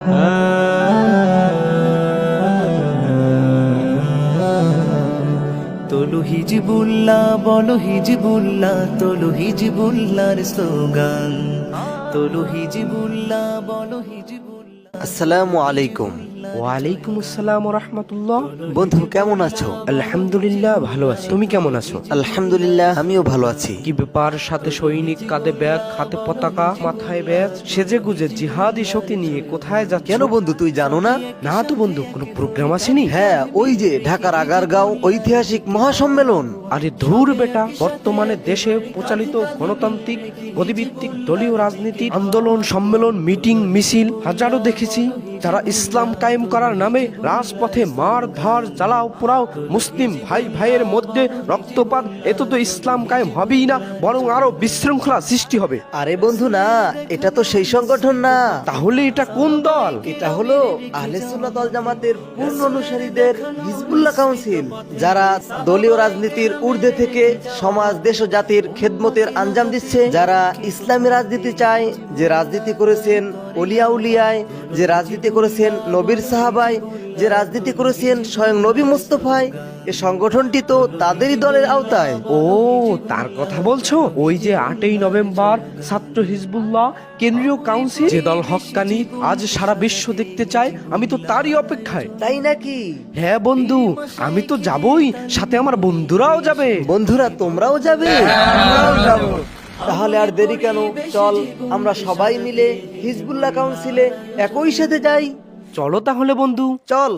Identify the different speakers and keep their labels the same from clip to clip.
Speaker 1: তোলো হিজবুল্লাহ বলো হিজবুল্লাহ, তোলো হিজবুল্লাহর স্লোগান, তোলো হিজবুল্লাহ বলো হিজবুল্লাহ।
Speaker 2: আসসালামু আলাইকুম।
Speaker 3: ওয়ালাইকুম আসসালাম ওয়া রাহমাতুল্লাহ।
Speaker 2: বন্ধু কেমন আছো?
Speaker 3: আলহামদুলিল্লাহ ভালো আছি, তুমি কেমন আছো?
Speaker 2: আলহামদুলিল্লাহ আমিও ভালো আছি।
Speaker 3: কি ব্যাপার, সাথে সৈনিক, কাঁধে ব্যাগ, হাতে পতাকা, মাথায় ব্যাজ, সেজে গুজে জিহাদি শক্তি নিয়ে কোথায় যাচ্ছ?
Speaker 2: কেন বন্ধু তুই জানো না?
Speaker 3: না তো বন্ধু, কোনো প্রোগ্রাম আসেনি?
Speaker 2: হ্যাঁ, ওই যে ঢাকার আগারগাঁও ঐতিহাসিক মহাসম্মেলন।
Speaker 3: আরে ধুর বেটা, বর্তমানে দেশে প্রচালিত গণতান্ত্রিক গতিভিত্তিক দলীয় রাজনীতি আন্দোলন, সম্মেলন, মিটিং, মিছিল হাজারো দেখেছি, যারা ইসলাম কায়েম করার নামে রাজপথে মার ধার, জ্বালাও পোড়াও, মুসলিম ভাই ভাইয়ের মধ্যে রক্তপাত, এতে তো ইসলাম কায়েম হবেই না, বরং আরো বিশৃঙ্খলা সৃষ্টি হবে।
Speaker 2: আরে বন্ধু না, এটা তো সেই সংগঠন না।
Speaker 3: তাহলে এটা কোন দল?
Speaker 2: এটা হলো আহলে সুন্নাত ওয়াল জামাতের পূর্ণ অনুসারীদের হিজবুল্লাহ কাউন্সিল, যারা দলীয় রাজনীতির ঊর্ধ্বে থেকে সমাজ, দেশ ও জাতির খেদমতের আঞ্জাম দিচ্ছে, যারা ইসলামী রাজনীতি চায়, যে রাজনীতি করেছেন ওলিয়া উলিয়ায়, যে রাজনীতি করেছেন নবীর সাহাবায়, যে রাজনীতি করেছেন স্বয়ং নবী মুস্তাফায়। এই সংগঠনটি তো তাদেরই দলের আওতায়।
Speaker 3: ও, তার কথা বলছো? ওই যে 8ই নভেম্বর ছাত্র হিজবুল্লাহ কেন্দ্রীয় কাউন্সিল, যে দল হক্কানি আজ সারা বিশ্ব দেখতে চায়, আমি তো তারই অপেক্ষায়।
Speaker 2: তাই নাকি?
Speaker 3: হ্যাঁ বন্ধু, আমি তো যাবই, সাথে আমার বন্ধুরাও যাবে।
Speaker 2: বন্ধুরা তোমরাও যাবে? আমরাও যাব। তাহলে আর দেরি কেন, চল আমরা সবাই মিলে হিজবুল্লাহ কাউন্সিলে একই সাথে যাই।
Speaker 3: চলো তাহলে বন্ধু,
Speaker 2: চল।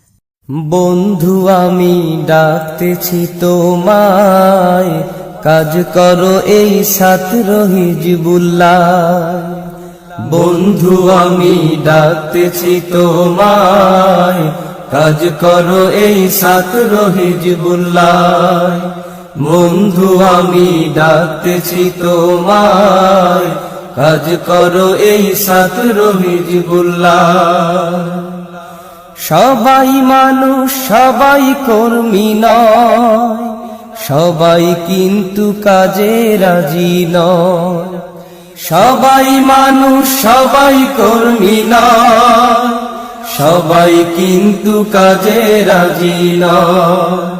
Speaker 1: বন্ধু আমি ডাকতেছি তোমায়, কাজ করো এই ছাত্র হিজবুল্লাহ। বন্ধু আমি ডাকতেছি তোমায়, কাজ করো এই ছাত্র হিজবুল্লাহ। বন্ধু আমি ডাকতেছি তোমায়, কাজ করো এই ছাত্র হিজবুল্লাহ। সবাই মানুষ, সবাই কর্মী নয়, সবাই কিন্তু কাজে রাজি নয়। সবাই মানুষ, সবাই কর্মী নয়, সবাই কিন্তু কাজে রাজি নয়।